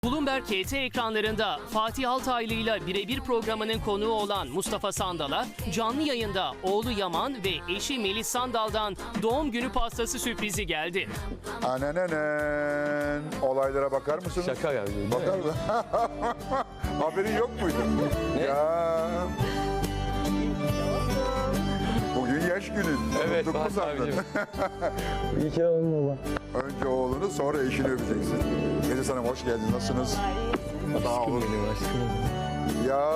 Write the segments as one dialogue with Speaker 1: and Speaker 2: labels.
Speaker 1: Bloomberg KT ekranlarında Fatih Altaylı ile birebir programının konuğu olan Mustafa Sandal'a canlı yayında oğlu Yaman ve eşi Melis Sandal'dan doğum günü pastası sürprizi geldi.
Speaker 2: Ananenen. Olaylara bakar mısınız?
Speaker 3: Şaka yani.
Speaker 2: Bakar mı? Haberin yok muydu?
Speaker 3: Ne?
Speaker 2: Ya. Bugün yaş günün.
Speaker 3: Evet,
Speaker 2: Unuttun mu
Speaker 3: Fatih
Speaker 2: sandın?
Speaker 3: abicim.
Speaker 4: İyi ki doğdun baba.
Speaker 2: Önce oğlunu sonra eşini öpeceksin. Melis Hanım hoş geldiniz. Nasılsınız? Sağ olun.
Speaker 3: Benim aşkım.
Speaker 2: Ya.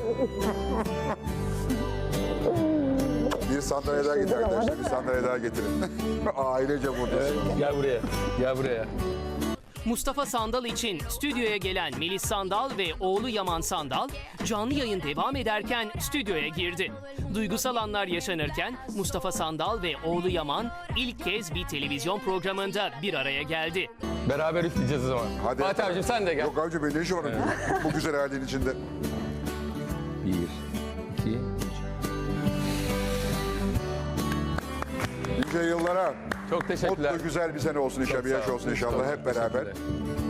Speaker 2: Bir sandalye daha getirin arkadaşlar. Bir sandalye daha getirin. Ailece buradasınız.
Speaker 3: Gel buraya. Gel buraya.
Speaker 1: Mustafa Sandal için stüdyoya gelen Melis Sandal ve oğlu Yaman Sandal canlı yayın devam ederken stüdyoya girdi. Duygusal anlar yaşanırken Mustafa Sandal ve oğlu Yaman ilk kez bir televizyon programında bir araya geldi.
Speaker 3: Beraber üfleyeceğiz o zaman.
Speaker 2: Hadi.
Speaker 3: Fatih abicim sen de gel.
Speaker 2: Yok abicim benim ne işim var bu güzel ailenin içinde.
Speaker 3: 1, 2,
Speaker 2: Nice yıllara.
Speaker 3: Çok teşekkürler.
Speaker 2: Mutlu güzel bir sene olsun inşallah.
Speaker 3: Çok
Speaker 2: Bir
Speaker 3: sağ
Speaker 2: yaş
Speaker 3: olun.
Speaker 2: olsun inşallah hep beraber.
Speaker 3: Teşekkürler.